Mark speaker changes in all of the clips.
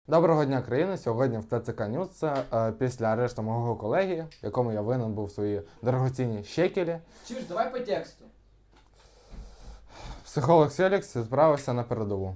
Speaker 1: Доброго дня, країна! Сьогодні в ТЦК News після арешту мого колеги, якому я винен був свої дорогоцінні щекелі.
Speaker 2: Чуєш, давай по тексту.
Speaker 1: Психолог Селікс відправився на передову.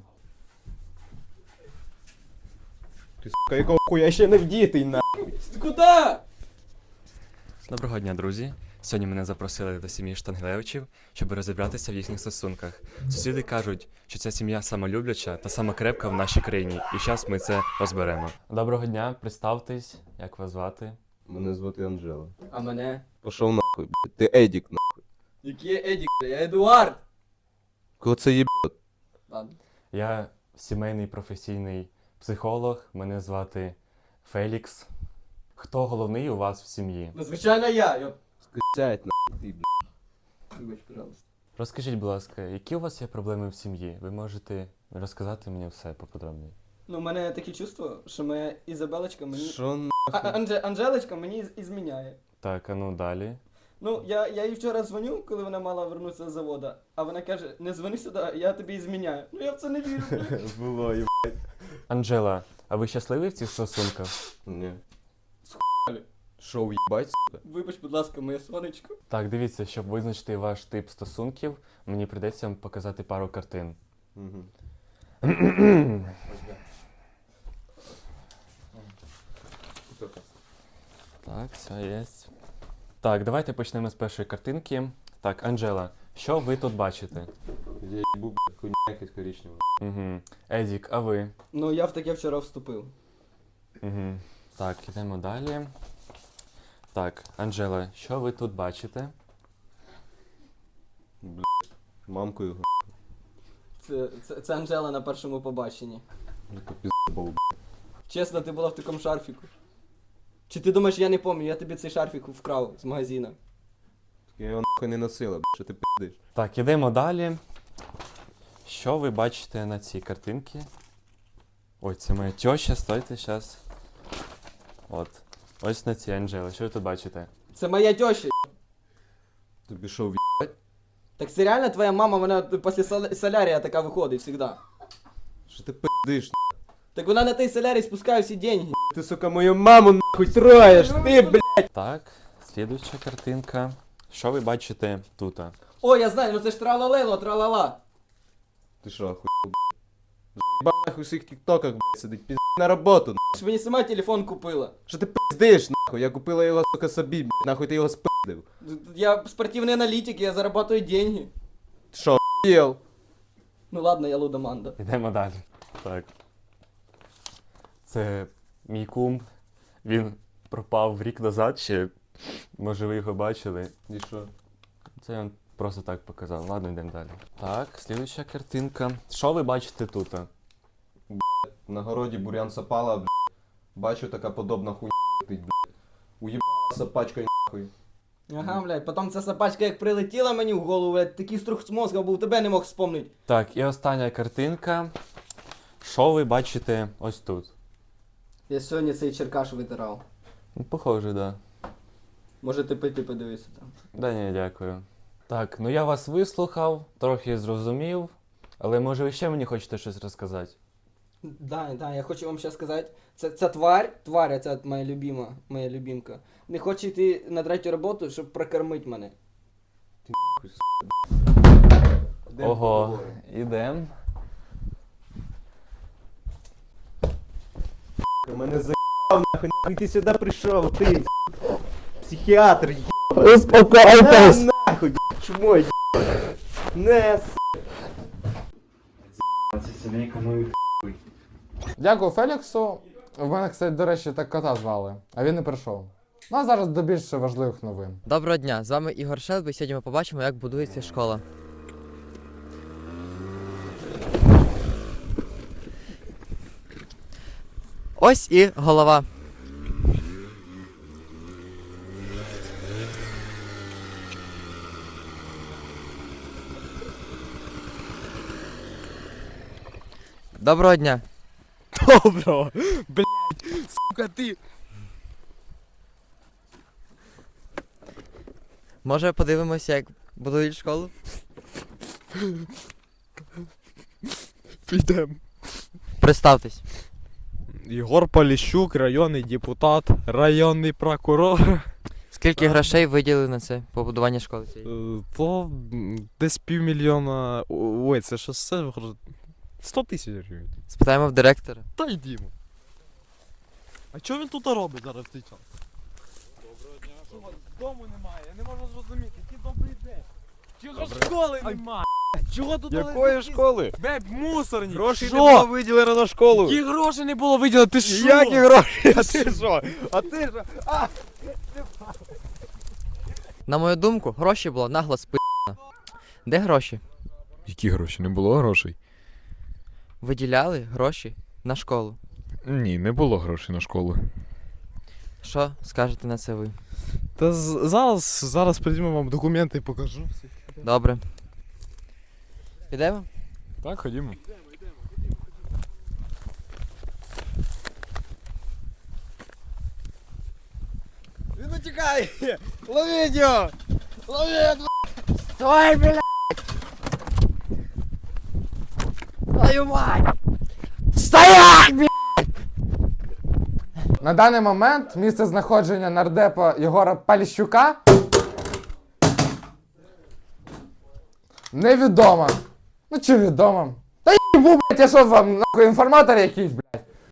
Speaker 3: Ти, сука, якого хуя ще не вдітий, на.
Speaker 2: Куда?
Speaker 4: Доброго дня, друзі! Сьогодні мене запросили до сім'ї Штангелевичів, щоб розібратися в їхніх стосунках. Сусіди кажуть, що ця сім'я самолюбляча та самокрепка в нашій країні, і зараз ми це розберемо. Доброго дня, представтесь, як вас звати?
Speaker 3: Мене звати Анжела.
Speaker 2: А мене?
Speaker 3: Пошов нахуй, блядь. Ти Едік, нахуй.
Speaker 2: Який Едік? Я Едуард.
Speaker 3: Кого це єбет?
Speaker 2: Ладно.
Speaker 4: Я сімейний професійний психолог, мене звати Фелікс. Хто головний у вас в сім'ї?
Speaker 2: Ну, звичайно, я.
Speaker 3: Скисять, нахуй, ти, блядь.
Speaker 2: Вибач, пожалуйста.
Speaker 4: Розкажіть, будь ласка, які у вас є проблеми в сім'ї? Ви можете розказати мені все поподробніше.
Speaker 2: Ну, у мене таке чувство, що моя Ізабелочка мені...
Speaker 3: Що
Speaker 2: Анжелочка мені ізміняє.
Speaker 4: Так, а ну далі.
Speaker 2: Ну, я їй вчора дзвоню, коли вона мала вернутися з заводу, а вона каже, не дзвони сюди, я тобі ізміняю. Ну, я в це не вірю.
Speaker 3: було, єб.
Speaker 4: Анжела, а ви щасливі в цих стосунках?
Speaker 3: Ні.
Speaker 2: Схуяли.
Speaker 3: Що, уїбать, сука?
Speaker 2: Вибач, будь ласка, моє сонечко.
Speaker 4: Так, дивіться, щоб визначити ваш тип стосунків, мені прийдеться вам показати пару картин.
Speaker 3: Угу.
Speaker 4: Так, все є. Так, давайте почнемо з першої картинки. Так, Анжела, що ви тут бачите?
Speaker 3: Я їбу, блядь, хуйня якась коричнева.
Speaker 4: Угу. Едік, а ви?
Speaker 2: Ну, я в таке вчора вступив.
Speaker 4: Угу. Так, йдемо далі. Так, Анжела, що ви тут бачите?
Speaker 3: Мамку його.
Speaker 2: Це Анжела на першому побаченні.
Speaker 3: Яка пізда був, блядь.
Speaker 2: Чесно, ти була в такому шарфіку. Чи ти думаєш, я не пам'ятаю, я тобі цей шарфік вкрав з магазина.
Speaker 3: Я його нахуй не носила, блядь, що ти пиздиш?
Speaker 4: Так, ідемо далі. Що ви бачите на цій картинці? Ой, це моя тьоща, стойте, зараз. От. Ось на цій Анжела, що ви тут бачите?
Speaker 2: Це моя теща.
Speaker 3: Тобі що, в'їбать?
Speaker 2: Так це реально твоя мама, вона після солярія така виходить завжди.
Speaker 3: Що ти пиздиш,
Speaker 2: Так вона на той солярій спускає всі деньги.
Speaker 3: Ти, сука, мою маму нахуй троєш, ти, блядь!
Speaker 4: Так, слідуюча картинка. Що ви бачите тут?
Speaker 2: О, я знаю, ну це ж тралалело, тралала.
Speaker 3: Ти що, охуєл, блядь? Заїбав нахуй у всіх тіктоках, блядь, сидить, пізди на роботу, нахуй.
Speaker 2: Ти ж мені сама телефон купила.
Speaker 3: Що ти пиздиш, нахуй? Я купила його, сука, собі, блядь, нахуй ти його спиздив.
Speaker 2: Я спортивний аналітик, я зарабатываю деньги.
Speaker 3: Ти що, охуєл?
Speaker 2: Ну ладно, я лудоманда.
Speaker 4: Йдемо далі. Так. Це мій кум. Він пропав рік назад ще. Може ви його бачили.
Speaker 3: І що?
Speaker 4: Це він просто так показав. Ладно, йдемо далі. Так, слідуюча картинка. Що ви бачите тут?
Speaker 3: На городі бурян сапала, блядь. Бачу, така подобна хуйня летить, блядь. Уєбала сапачкою, нахуй.
Speaker 2: Ага, блядь, потім ця собачка як прилетіла мені в голову, блядь, такий струх з мозга був, тебе не мог вспомнити.
Speaker 4: Так, і остання картинка. Що ви бачите ось тут?
Speaker 2: Я сьогодні цей черкаш витирав.
Speaker 4: Ну, похоже, да.
Speaker 2: Може ти пити подивися там.
Speaker 4: Да ні, дякую. Так, ну я вас вислухав, трохи зрозумів, але може ви ще мені хочете щось розказати?
Speaker 2: Да, я хочу вам ще сказати, ця тварь, ця моя любимка, не хоче йти на третю роботу, щоб прокормити мене.
Speaker 3: Нахуй,
Speaker 4: Ого, ідем.
Speaker 3: Мене заїбав, нахуй ти сюди прийшов, ти, психіатр, єбаний.
Speaker 4: Успокойтесь!
Speaker 3: Нахуй, чмо, не,
Speaker 1: Дякую Феліксу. В мене, кстати, до речі, так кота звали, а він не прийшов. Ну а зараз до більш важливих новин.
Speaker 5: Доброго дня, з вами Ігор Шелби. Сьогодні ми побачимо, як будується школа. Ось і голова. Доброго дня.
Speaker 3: Доброго, блядь, сука, ти.
Speaker 5: Може подивимося, як будують школу?
Speaker 3: Підем.
Speaker 5: Представтесь.
Speaker 6: Єгор Поліщук, районний депутат, районний прокурор.
Speaker 5: Скільки грошей виділили на це побудування школи цієї?
Speaker 6: То десь 500 000... Ой, це що все? 100 тисяч гривень.
Speaker 5: Спитаємо в директора.
Speaker 6: Та йдімо. А що він тут робить зараз в цей час? Доброго дня. Дому немає, я не можу зрозуміти. Який добрий день. Чого школи немає? Чого тут
Speaker 7: Якої школи?
Speaker 6: Беб, мусорні.
Speaker 7: Грошей
Speaker 6: Що?
Speaker 7: не було виділено на школу.
Speaker 6: Які гроші не було виділено, ти що?
Speaker 7: Які гроші? А ти що? А ти що?
Speaker 5: На мою думку, гроші було нагло спи***на. Де гроші?
Speaker 7: Які гроші? Не було грошей?
Speaker 5: Виділяли гроші на школу.
Speaker 7: Ні, не було грошей на школу.
Speaker 5: Що скажете на це ви?
Speaker 6: Та зараз прийдемо вам документи і покажу.
Speaker 5: Добре. Підемо?
Speaker 7: Так, ходімо.
Speaker 6: Він утікає! Ловіть його! Ловіть!
Speaker 5: Стой, блядь! Твою мать! Стоять, блядь!
Speaker 1: На даний момент місце знаходження нардепа Єгора Поліщука невідомо. Ну чи відомо? Та їбу, блядь, я що вам нахуй інформатор якийсь, блядь?